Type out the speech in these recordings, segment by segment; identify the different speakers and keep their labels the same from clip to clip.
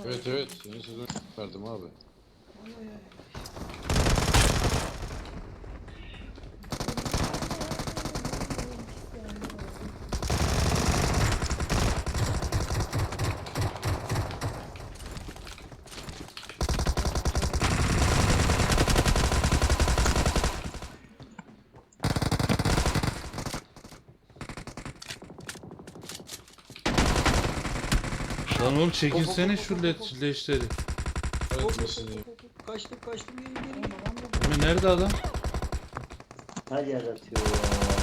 Speaker 1: Evet evet. Yeni sezon verdim abi.
Speaker 2: Oy, oy, oy.
Speaker 3: Lan oğlum çekilsene şu leşleri.
Speaker 1: Evet mesela.
Speaker 4: Kaçtım geri
Speaker 2: Oğlum
Speaker 4: geri.
Speaker 2: adam da
Speaker 3: Emre nerede adam?
Speaker 4: Her yer atıyor ya.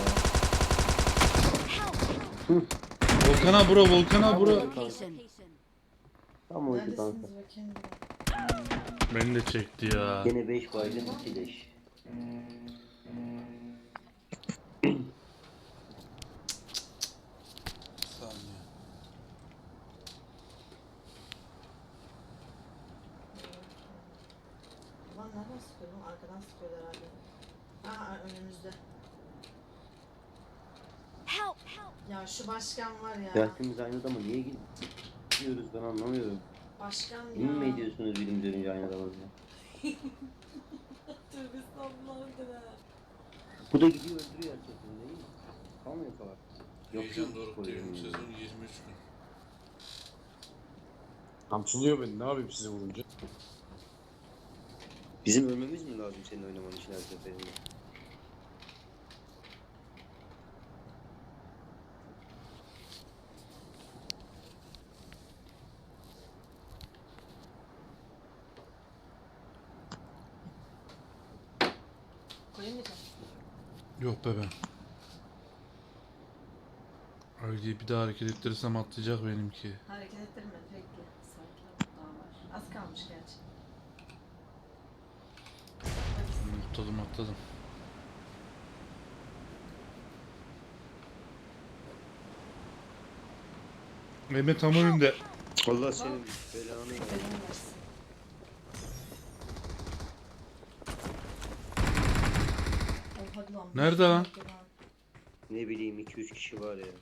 Speaker 3: Volkan'a bura, Volkan'a bura.
Speaker 5: Location.
Speaker 4: Tam oydu kanka.
Speaker 2: neredesiniz bakayım bir.
Speaker 3: Beni de çekti ya.
Speaker 4: Gene 5 baygın 2 leş.
Speaker 2: Ulan nereden sıkıyor lan? Arkadan sıkıyor herhalde. Aha önümüzde.
Speaker 5: Help!
Speaker 2: Ya şu başkan var ya.
Speaker 4: Ya hepimiz aynı adama niye gidiyoruz ben anlamıyorum.
Speaker 2: Başkan ya.
Speaker 4: Yemin mi ediyorsunuz bilim görünce aynı adama ya?
Speaker 2: Tövbe estağfurullah.
Speaker 4: Bu da gidiyor öldürüyor herkesini değil mi? Kalmıyor falan. Yok
Speaker 3: Heyecan dorukta 20 sezon 23 gün.
Speaker 1: Kamçılıyor beni. Ne yapayım size vurunca?
Speaker 4: Bizim ölmemiz mi lazım senin oynaman için her seferinde?
Speaker 2: Koyayım mı canım?
Speaker 3: Yok be ben. Öyle bir daha hareket ettirirsem atlayacak benimki.
Speaker 2: Hareket ettirme bekle. Sakin ol. Daha var. Az kalmış gerçi. Hadi.
Speaker 3: Atladım. Mehmet tam önünde.
Speaker 4: Allah senin belanı ver.
Speaker 2: Belanı versin. Oh, hadi lan.
Speaker 3: Nerede lan?
Speaker 4: Ne bileyim 2-3 kişi var ya.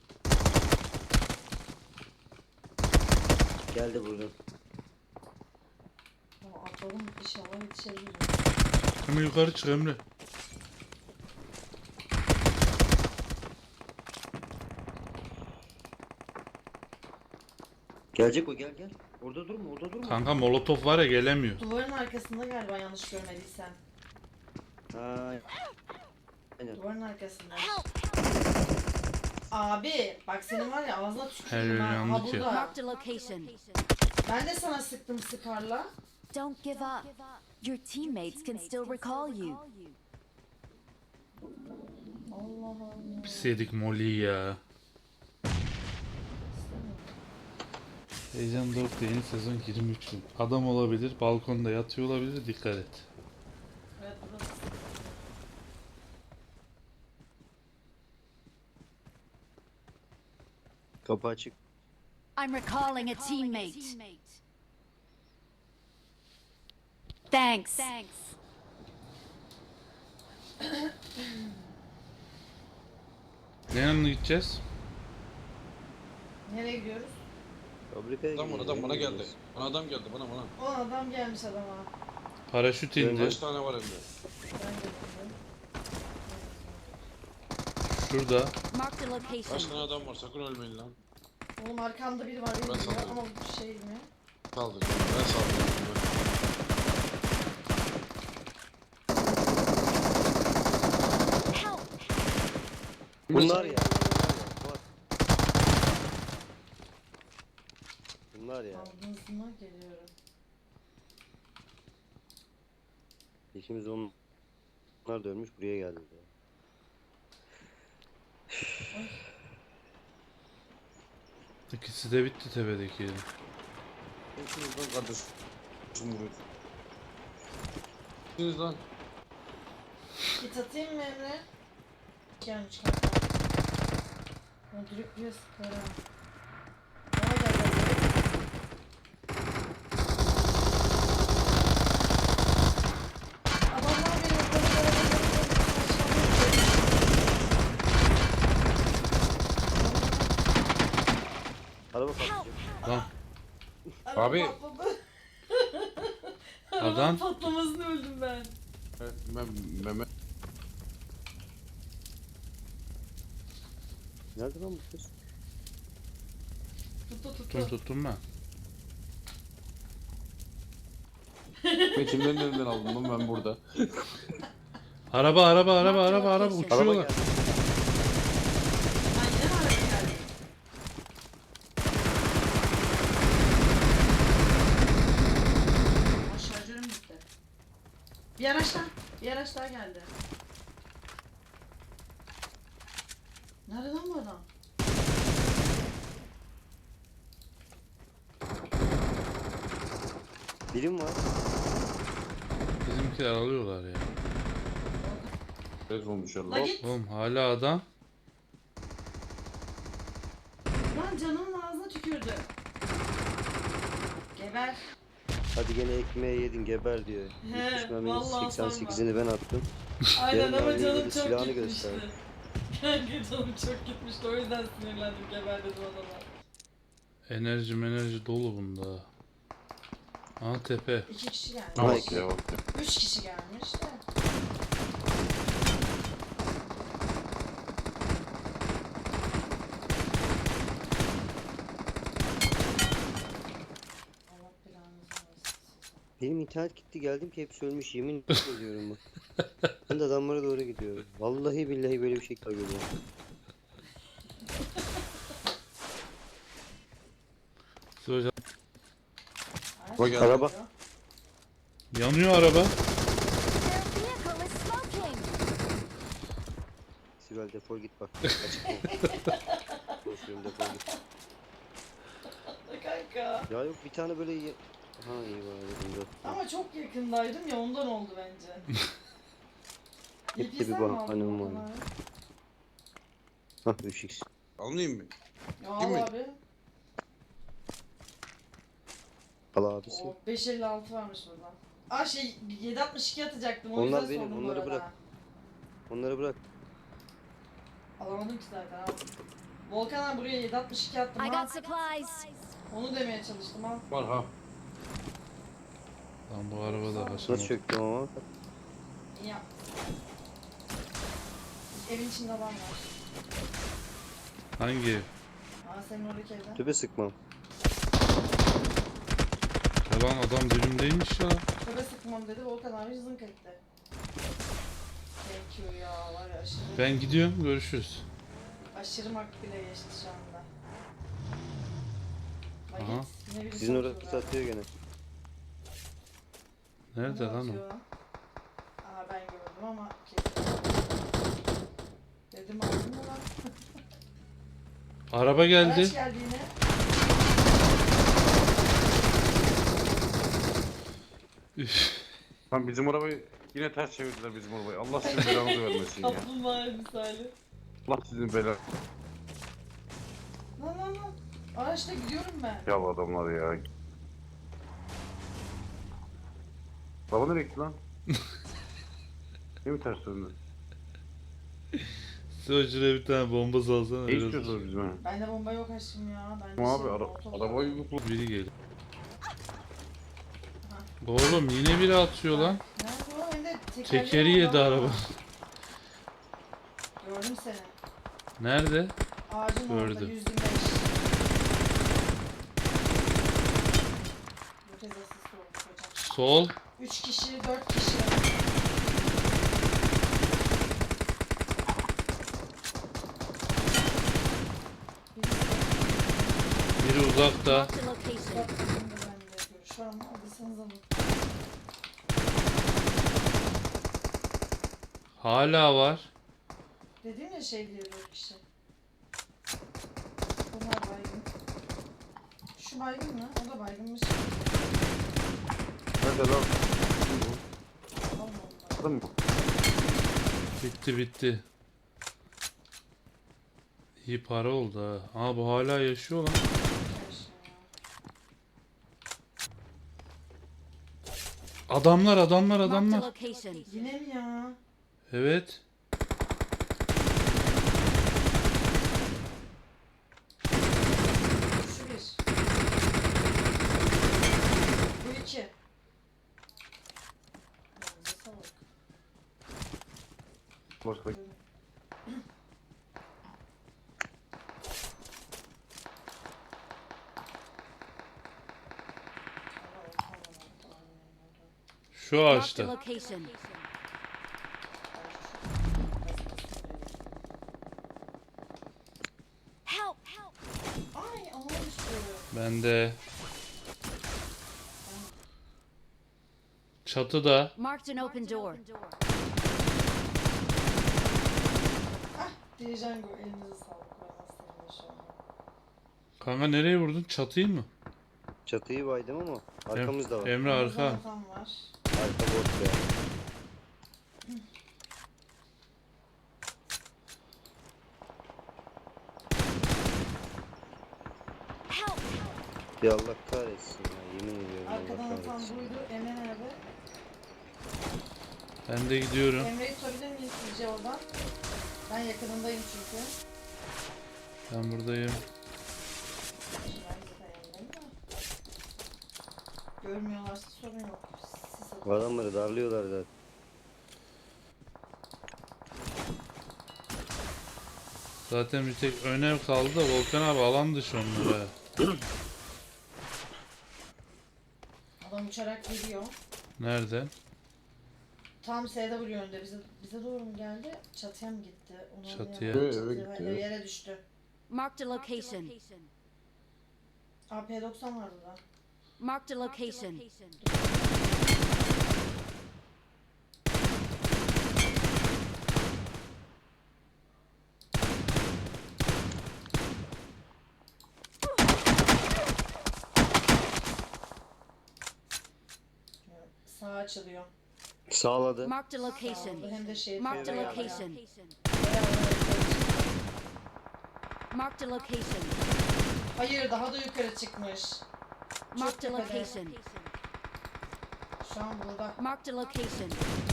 Speaker 4: Geldi buradan.
Speaker 2: Atladım inşallah yetişebilirim.
Speaker 3: Hemen yukarı çık Emre.
Speaker 4: Gelecek o gel. Orada durma.
Speaker 3: Kanka molotof var ya gelemiyor.
Speaker 2: Duvarın arkasında galiba yanlış görmediysem.
Speaker 4: Ha. Aynen.
Speaker 2: Duvarın arkasında. Abi bak senin var ya ağzına
Speaker 3: Her
Speaker 2: tüküreyim
Speaker 3: yer
Speaker 2: ha.
Speaker 3: yandı
Speaker 2: Ha
Speaker 3: ki.
Speaker 2: burada.
Speaker 5: Marked a location.
Speaker 2: Ben de sana sıktım sıkarla.
Speaker 5: Don't give up. Your teammates can still recall you.
Speaker 2: Allah Allah.
Speaker 3: Pis yedik Molly'yi ya. Heyecan Doruk'ta yeni sezon 23 gün. Adam olabilir, balkonda yatıyor olabilir, dikkat et.
Speaker 2: Evet burası.
Speaker 4: Kapı açık.
Speaker 5: I'm recalling a teammate. Thanks.
Speaker 3: Ne yanına gideceğiz?
Speaker 2: Nereye gidiyoruz?
Speaker 4: Fabrikaya
Speaker 1: Adam
Speaker 4: gidiyor,
Speaker 1: bana
Speaker 4: nereye
Speaker 1: geldi.
Speaker 4: gidiyoruz?
Speaker 1: Bana adam geldi bana.
Speaker 2: O adam gelmiş adama.
Speaker 3: Paraşüt indi.
Speaker 1: Kaç tane var evde?
Speaker 2: Ben geldim.
Speaker 3: Şurada.
Speaker 5: Marked a
Speaker 1: Kaç
Speaker 5: location.
Speaker 1: tane adam var? Sakın ölmeyin lan.
Speaker 2: Oğlum arkamda biri var
Speaker 1: Ben
Speaker 2: benim
Speaker 1: sandım.
Speaker 2: ama bu şey mi?
Speaker 1: Saldıracağım. Ben saldıracağım.
Speaker 5: Help!
Speaker 4: Bunlar ya. Bunlar ya.
Speaker 2: Ağzına geliyorum.
Speaker 4: İkimiz onlar da ölmüş buraya geldi.
Speaker 3: İkisi de bitti tepedeki.
Speaker 1: Hepiniz lan kardeşim. Vuruyor. Hepiniz lan.
Speaker 2: Git atayım mı Emre? Gelmiş kanka. Ya dürüklüyor sıkara. Bana gel. Adamlar beni
Speaker 4: Araba patlayacak.
Speaker 3: Lan
Speaker 2: Araba
Speaker 1: Abi.
Speaker 2: patladı. Arabanın
Speaker 3: Adam-
Speaker 2: patlamasını öldüm ben.
Speaker 1: Evet, Mehmet.
Speaker 4: Nerede lan bu kız?
Speaker 3: Tuttum ben.
Speaker 1: Kimlerin elinden aldım lan ben burada.
Speaker 3: Araba
Speaker 5: Araba
Speaker 3: uçuyorlar.
Speaker 4: Araba geldi.
Speaker 2: Ben yine mi araba geldim? Aa, şarjörüm bitti. Bir araç daha geldi. Nerede lan bu adam?
Speaker 4: Birim var.
Speaker 3: Bizimkiler alıyorlar ya.
Speaker 1: Evet olmuş
Speaker 2: La
Speaker 1: Allah.
Speaker 2: git.
Speaker 3: Oğlum hala adam.
Speaker 2: Lan canımın ağzına tükürdü. Geber.
Speaker 4: Hadi gene ekmeği yedin geber diyor.
Speaker 2: He,
Speaker 4: 70 merminin
Speaker 2: vallahi
Speaker 4: 88'ini ben attım.
Speaker 2: Aynen
Speaker 4: Yarın
Speaker 2: ama
Speaker 4: abi
Speaker 2: canım
Speaker 4: yedi,
Speaker 2: çok
Speaker 4: silahını
Speaker 2: gitmişti.
Speaker 4: göster.
Speaker 2: Kanka canım çok gitmişti o yüzden sinirlendim geber dedim adama.
Speaker 3: Enerji dolu bunda. Aha tepe.
Speaker 2: 2 kişi gelmiş.
Speaker 1: Ama
Speaker 4: Ay.
Speaker 1: ya bak.
Speaker 2: 3 kişi gelmiş de. Allah belanızı versin.
Speaker 4: Benim internet gitti geldim ki hepsi ölmüş yemin ediyorum bak. Ben de adamlara doğru gidiyorum. Vallahi billahi böyle bir şey görüyorum.
Speaker 3: Hocam
Speaker 2: Ay,
Speaker 1: Bak
Speaker 2: şey
Speaker 4: araba.
Speaker 2: oluyor.
Speaker 3: yanıyor araba.
Speaker 5: Their vehicle is smoking.
Speaker 4: Sibel defol git bak. Açık ol. Konuşuyorum defol git.
Speaker 2: Kanka.
Speaker 4: Ya yok bir tane böyle Ha iyi var bunda.
Speaker 2: Ama çok yakındaydım ya ondan oldu bence.
Speaker 4: Hep de
Speaker 2: İpi
Speaker 4: bir
Speaker 2: sen mi aldın
Speaker 4: bahanem
Speaker 2: Volkan
Speaker 4: var.
Speaker 2: abi?
Speaker 4: Hah 3x.
Speaker 1: Almayayım mı?
Speaker 2: Ya
Speaker 1: Değil mi?
Speaker 2: al abi.
Speaker 4: Al abisi.
Speaker 2: O 556 varmış burada. Aa şey 762 atacaktım o
Speaker 4: Onlar
Speaker 2: yüzden
Speaker 4: benim,
Speaker 2: sordum bu
Speaker 4: onları
Speaker 2: arada.
Speaker 4: bırak. Onları bırak.
Speaker 2: Alamadım ki zaten al. Volkan abi buraya 762 attım
Speaker 5: I
Speaker 2: ha.
Speaker 5: got supplies.
Speaker 2: Onu demeye çalıştım al.
Speaker 1: Var ha.
Speaker 3: Lan bu araba da
Speaker 4: Nasıl
Speaker 3: aşamadı.
Speaker 4: çöktüm ama?
Speaker 2: İyi yap. Evin içinde adam var.
Speaker 3: Hangi ev?
Speaker 2: Aa senin oradaki evde.
Speaker 4: Tübe sıkmam.
Speaker 3: Ya lan adam dibimdeymiş ya.
Speaker 2: Köpe sıkmam dedi Volkan abi zınk etti. Thank you ya var ya aşırı.
Speaker 3: Ben gidiyorum, görüşürüz.
Speaker 2: Aşırı makbule geçti şu anda. Bak
Speaker 3: Aha.
Speaker 2: git, yine birisi
Speaker 4: Sizin orada
Speaker 2: atıyor
Speaker 4: pus
Speaker 2: galiba.
Speaker 4: atıyor gene.
Speaker 3: Nerede
Speaker 2: Ne
Speaker 3: lan o?
Speaker 2: atıyor Aa ben gördüm ama kesin. Dedim aldın mı lan?
Speaker 3: Araba geldi.
Speaker 2: Araç geldi yine.
Speaker 3: Üf.
Speaker 1: Lan bizim arabayı yine ters çevirdiler bizim arabayı. Allah sizin belanızı vermesin ya.
Speaker 2: Kaplumbağa misali.
Speaker 1: Allah sizin belanızı.
Speaker 2: Lan. Araçta gidiyorum ben.
Speaker 1: Ya bu adamlar ya. Araba nereye gitti lan? Niye mi ters döndü?
Speaker 3: Sen şuraya bir tane bomba salsana.
Speaker 1: Ne
Speaker 3: biraz.
Speaker 1: istiyorsunuz bizim ha?
Speaker 2: Bende bomba yok aşkım ya. Bende
Speaker 1: Ama abi
Speaker 2: molotov var.
Speaker 1: arabayı yuklu.
Speaker 3: Biri geliyor. Oğlum yine biri atıyor lan.
Speaker 2: Nerede o? Hem de
Speaker 3: Tekeri yedi
Speaker 2: orada var.
Speaker 3: araba.
Speaker 2: Gördüm seni.
Speaker 3: Nerede?
Speaker 2: Ağacın orada
Speaker 3: Gördüm.
Speaker 2: 125. Bu kez asist oldu hocam.
Speaker 3: Sol.
Speaker 2: 3 kişi, 4 kişi.
Speaker 3: Biri uzakta.
Speaker 5: Marked a location.
Speaker 2: Bak şimdi ben de görüş var ama alırsanız alın.
Speaker 3: Hala var.
Speaker 2: Dedim ya şey diye 4 kişi. Bunlar baygın. Şu baygın mı? O da baygınmış.
Speaker 1: Nerede lan?
Speaker 2: Allah Allah.
Speaker 1: Adam mı?
Speaker 3: Bitti. İyi para oldu ha. Aa bu hala yaşıyor lan. Adamlar.
Speaker 5: Marked a location.
Speaker 2: Yine mi ya?
Speaker 3: Evet.
Speaker 2: Şu bir.
Speaker 1: Başka
Speaker 3: Şu
Speaker 5: Marked a
Speaker 3: ağaçta.
Speaker 5: location. Help! Help!
Speaker 2: Ay ona düştü.
Speaker 3: Ben de. Çatıda.
Speaker 5: Marked an open door.
Speaker 2: Dirijen gol elinize sağlık. Ben aslında şu an.
Speaker 3: Kanka nereye vurdun? Çatıyı mı?
Speaker 4: Çatıyı baydım ama arkamızda var.
Speaker 3: Emre arka.
Speaker 2: Ramazan var.
Speaker 4: Arka bot ya.
Speaker 5: Help!
Speaker 4: Ya Allah kahretsin ya, yemin ediyorum Allah
Speaker 2: Arkadan atan
Speaker 4: kahretsin.
Speaker 2: buydu. Emre nerede?
Speaker 3: Ben de gidiyorum.
Speaker 2: Emre'yi tutabilir miyiz sizce oradan? Ben yakınındayım çünkü.
Speaker 3: Ben buradayım.
Speaker 2: Ben zaten yanındayım da. Görmüyorlarsa sorun yok. Sis atın.
Speaker 4: Adamları darlıyorlar zaten.
Speaker 3: Zaten bir tek önev kaldı da Volkan abi alan dışı onlara.
Speaker 2: Adam uçarak geliyor.
Speaker 3: Nereden?
Speaker 2: Tam SW önünde. Bize doğru mu geldi? Çatıya mı gitti? Onu
Speaker 3: Çatıya.
Speaker 2: anlayamadım.
Speaker 1: Eve
Speaker 2: Çatıya,
Speaker 1: gitti.
Speaker 2: yere düştü.
Speaker 5: Marked a location.
Speaker 2: AP90 vardı da.
Speaker 5: Marked a location.
Speaker 2: Sağ açılıyor.
Speaker 4: Sağladı.
Speaker 5: Marked a
Speaker 2: Sağ
Speaker 5: location.
Speaker 2: oldu. Hem de şey
Speaker 5: Marked a
Speaker 2: bayağı-
Speaker 5: location.
Speaker 2: bayağı
Speaker 5: Marked a location.
Speaker 2: Hayır daha da yukarı çıkmış.
Speaker 5: Marked a
Speaker 2: tepede.
Speaker 5: location.
Speaker 2: Şu an burada.
Speaker 5: Marked a location.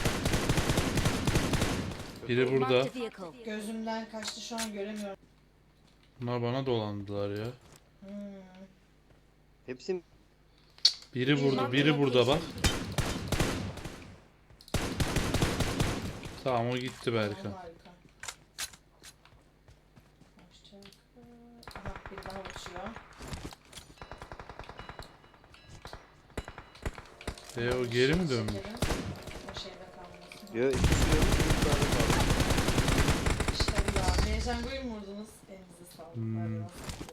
Speaker 3: Biri burada.
Speaker 5: Marked a vehicle.
Speaker 2: Gözümden kaçtı şu an göremiyorum.
Speaker 3: Bunlar bana dolandılar ya.
Speaker 4: Hepsi
Speaker 3: Biri burada, biri burada bak. Tamam o gitti Berkan.
Speaker 2: Tamam, harika. Hoşçakal. Aha biri daha uçuyor.
Speaker 3: O geri mi dönmüş?
Speaker 2: Şekerim. O şeyde kalmasın.
Speaker 4: Yo, ikisi yok. Bir tane kaldı.
Speaker 2: İşte bu ya. Heyecan koyun mu vurdunuz? Elinize sağlık. Hadi bakalım.